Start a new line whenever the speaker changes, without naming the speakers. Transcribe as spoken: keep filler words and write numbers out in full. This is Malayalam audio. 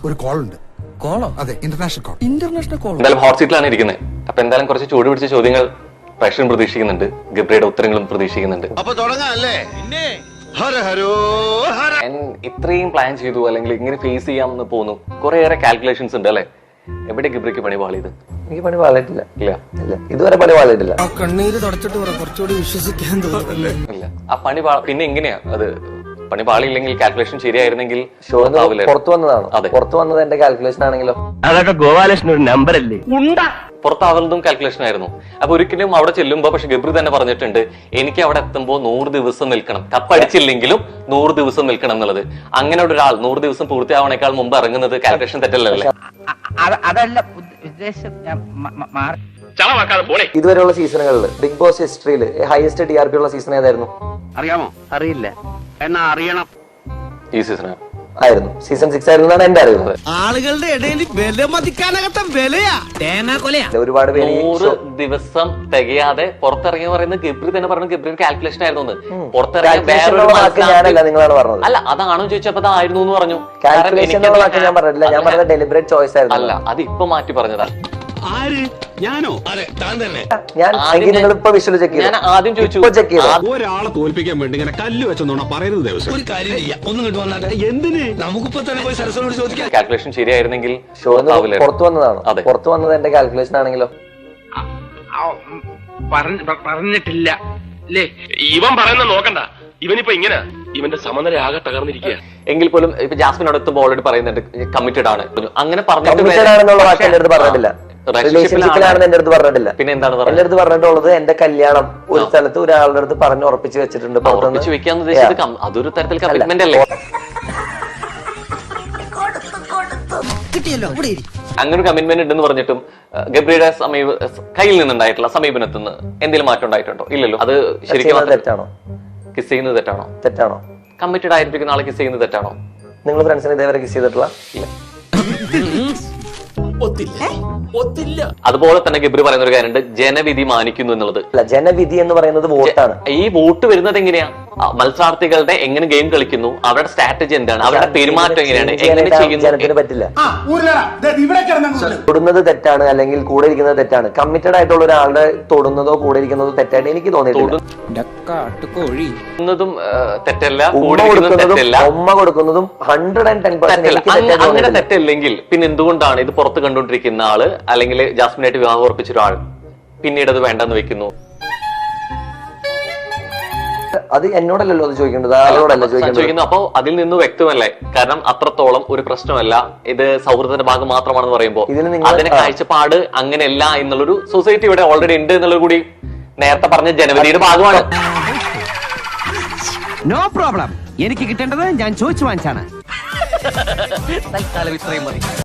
ഒരു കോൾ ഉണ്ട്. കോളോ? അതെ, ഇന്റർനാഷണൽ കോൾ. International call.
എന്തായാലും ഹോട്ട് സീറ്റിലാണ് ഇരിക്കുന്നത്. അപ്പൊ എന്തായാലും കുറച്ച് ചൂട് പിടിച്ച ചോദ്യങ്ങൾ പ്രേക്ഷകൻ പ്രതീക്ഷിക്കുന്നുണ്ട്, ഗബ്രിയുടെ ഉത്തരങ്ങളും പ്രതീക്ഷിക്കുന്നുണ്ട്.
അപ്പൊ തുടങ്ങാല്ലേ?
ഇത്രയും പ്ലാൻ ചെയ്തു അല്ലെങ്കിൽ ഇങ്ങനെ ഫേസ് ചെയ്യാമെന്ന് പോകുന്നു, കുറേയേറെ കാൽക്കുലേഷൻസ് ഉണ്ട് അല്ലെ? എവിടെ ഗബ്രിക്ക് പണി പാളിയത്?
എനിക്ക് പണി പാളിയിട്ടില്ല.
ഇല്ല
ഇല്ല, ഇതുവരെ പണി പാളിയിട്ടില്ല.
കണ്ണീര് തുടച്ചിട്ട് കുറച്ചുകൂടി വിശ്വസിക്കാൻ തോന്നുന്നില്ല.
ഇല്ല, ആ പണി പിന്നെ എങ്ങനെയാ അത്? പണി പാളിയില്ലെങ്കിൽ കാൽക്കുലേഷൻ ശരിയായിരുന്നെങ്കിൽ
പുറത്തു വന്നതാണ്. പുറത്തു വന്നത് എന്റെ കാൽക്കുലേഷൻ ആണെങ്കിലോ?
അതൊക്കെ ഗോപാലകൃഷ്ണൻ ഒരു നമ്പർ അല്ലേ?
പുറത്താവുന്നതും കാൽക്കുലേഷൻ ആയിരുന്നു. അപ്പൊ ഒരിക്കലും അവിടെ ചെല്ലുമ്പോ പക്ഷെ ഗബ്രി തന്നെ പറഞ്ഞിട്ടുണ്ട്, എനിക്ക് അവിടെ എത്തുമ്പോ നൂറ് ദിവസം നിൽക്കണം, കപ്പടിച്ചില്ലെങ്കിലും നൂറ് ദിവസം നിൽക്കണം എന്നുള്ളത്. അങ്ങനെ ഒരാൾ നൂറ് ദിവസം പൂർത്തിയാവണേക്കാൾ മുമ്പ് ഇറങ്ങുന്നത് കാൽക്കുലേഷൻ തെറ്റല്ലേ?
അതല്ല ഉദ്ദേശം.
ഇതുവരെയുള്ള സീസണുകളിൽ ബിഗ് ബോസ് ഹിസ്റ്ററിയിൽ ഹയസ്റ്റ് ടി ആർ പി ഉള്ള സീസൺ ഏതായിരുന്നു?
അറിയാമോ? അറിയില്ല, എന്നാ അറിയണം.
ഈ സീസൺ
ആയിരുന്നു. സീസൺ സിക്സ് ആയിരുന്നു എന്നാണ് എന്റെ അറിവ്.
ആളുകളുടെ ഇടയിൽ വില മതിക്കാനകത്ത വിലയാ തേങ്ങ കൊലയാ.
ഒരുപാട് പേര്
നൂറ് ദിവസം തികയാതെ പുറത്തിറങ്ങി പറയുന്നത് ഗബ്രി തന്നെ പറഞ്ഞു ഗബ്രി കാൽക്കുലേഷൻ ആയിരുന്നു. പുറത്തിറങ്ങി
ഞാനല്ല, നിങ്ങളാണ് പറഞ്ഞത്.
അല്ല, അതാണോ ചോദിച്ചപ്പോ അതായിരുന്നു എന്ന് പറഞ്ഞു.
കാൽക്കുലേഷൻ ഞാൻ പറഞ്ഞില്ല, ഞാൻ പറഞ്ഞത് ഡെലിബറേറ്റ് ചോയ്സ് ആയിരുന്നു.
അല്ല, അത് ഇപ്പൊ മാറ്റി പറഞ്ഞതാ.
ഞാനോ? അതെ, താൻ തന്നെ.
ഞാൻ ഇപ്പൊ വിഷ്വൽ ചെക്ക് ചെയ്തു.
ഞാൻ ആദ്യം ചോദിച്ചു,
ചെക്ക് ചെയ്തു.
ഒരാളെ തോൽപ്പിക്കാൻ വേണ്ടി ഇങ്ങനെ കല്ല് വെച്ചോണ പറയരുത് ദിവസം. ഒരു കാര്യം ചെയ്യാം, ഒന്നും കിട്ടു വന്നാട്ടെ. എന്തിന്? നമുക്കിപ്പോ തന്നെ പോയി സരസ്വനോട് ചോദിക്കാം.
കാൽക്കുലേഷൻ ശരിയായിരുന്നെങ്കിൽ
പുറത്തു വന്നതാണ്. പുറത്തു വന്നത് എന്റെ കാൽക്കുലേഷൻ ആണെങ്കിലോ?
പറഞ്ഞിട്ടില്ല.
ഇവൻ പറയുന്നത് നോക്കണ്ട, ഇവനിപ്പോ ഇങ്ങനെ ഇവന്റെ സമനില ആകെ തകർന്നിരിക്കുക.
എങ്കിൽ പോലും ഇപ്പൊ ജാസ്മിനോട് എത്തുമ്പോൾ ഓൾറെഡി പറയുന്നുണ്ട് കമ്മിറ്റഡ് ആണ്. അങ്ങനെ
പറഞ്ഞിട്ടില്ല. റിലേഷൻഷിപ്പിലാണെന്ന് എന്റെ അടുത്ത് പറഞ്ഞിട്ടില്ല.
പിന്നെ എന്താണ്
എന്റെ അടുത്ത് പറഞ്ഞിട്ടുള്ളത് എന്റെ കല്യാണം ഒരു സ്ഥലത്ത് ഒരാളുടെ അടുത്ത് പറഞ്ഞു ഉറപ്പിച്ച് വെച്ചിട്ടുണ്ട്.
ഉറപ്പിച്ച് വെക്കാന്ന് ഉദ്ദേശിച്ചത് അതൊരു തരത്തിൽ കമ്മിറ്റ്മെന്റ് അല്ലേ? അങ്ങനെ ഒരു കമ്മിറ്റ്മെന്റ് ഉണ്ടെന്ന് പറഞ്ഞിട്ടും ഗബ്രിയുടെ സമീപ കയ്യിൽ നിന്നുണ്ടായിട്ടുള്ള സമീപനത്തിൽ നിന്ന് എന്തെങ്കിലും മാറ്റം ഉണ്ടായിട്ടുണ്ടോ? ഇല്ലല്ലോ. അത് ശരിക്കും
തെറ്റാണോ?
കിസ് ചെയ്യുന്നത് തെറ്റാണോ?
തെറ്റാണോ?
കമ്മിറ്റഡ് ആയിരിക്കുന്ന ആളെ കിസ് ചെയ്യുന്നത് തെറ്റാണോ?
നിങ്ങൾ ഫ്രണ്ട്സിനെ ഇതേവരെ കിസ് ചെയ്തിട്ടുള്ള?
ഇല്ല. അതുപോലെ തന്നെ ഗബ്രി പറയുന്ന ഒരു കാര്യമുണ്ട്, ജനവിധി മാനിക്കുന്നു എന്നുള്ളത്.
അല്ല, ജനവിധി എന്ന് പറയുന്നത് വോട്ടാണ്.
ഈ വോട്ട് വരുന്നത് എങ്ങനെയാ? മത്സരാർത്ഥികളുടെ എങ്ങനെ ഗെയിം കളിക്കുന്നു, അവരുടെ സ്ട്രാറ്റജി എന്താണ്, അവരുടെ പെരുമാറ്റം എങ്ങനെയാണ്, എങ്ങനെ ചെയ്യുന്നു
പറ്റില്ല. തൊടുന്നത് തെറ്റാണ് അല്ലെങ്കിൽ കൂടെ ഇരിക്കുന്നത് തെറ്റാണ്. കമ്മിറ്റഡ് ആയിട്ടുള്ള ഒരാളുടെ തൊടുന്നതോ കൂടെ ഇരിക്കുന്നതോ തെറ്റായിട്ട് എനിക്ക് തോന്നിയിട്ടില്ല.
തെറ്റല്ല,
ഉമ്മ കൊടുക്കുന്നതും ഹൺഡ്രഡ് ആൻഡ് ടെൻ പെർസെന്റ്
അങ്ങനെ തെറ്റല്ലെങ്കിൽ പിന്നെ എന്തുകൊണ്ടാണ് ഇത് പുറത്ത് കണ്ടുകൊണ്ടിരിക്കുന്ന ആള് അല്ലെങ്കിൽ ജാസ്മിനായിട്ട് വിവാഹം ഉറപ്പിച്ച ഒരാൾ പിന്നീട് അത് വേണ്ടെന്ന് വെക്കുന്നു?
അത് എന്നോടല്ലോ അത് ചോദിക്കേണ്ടത്, ആളോടല്ല ചോദിക്കുന്നത്.
അപ്പൊ അതിൽ നിന്ന് വ്യക്തമല്ലേ? കാരണം അത്രത്തോളം ഒരു പ്രശ്നമല്ല, ഇത് സൗഹൃദത്തിന്റെ ഭാഗം മാത്രമാണെന്ന് പറയുമ്പോൾ അതിന്റെ കാഴ്ചപ്പാട് അങ്ങനെയല്ല എന്നുള്ളൊരു സൊസൈറ്റി ഇവിടെ ഓൾറെഡി ഉണ്ട് എന്നുള്ളത് കൂടി നേരത്തെ പറഞ്ഞ ജനവിധിയുടെ ഭാഗമാണ്.
No problem. എനിക്ക് കിട്ടേണ്ടത് ഞാൻ ചോദിച്ചു വാങ്ങിച്ചാണ്.
തൽക്കാലം ഇത്രയും മതി.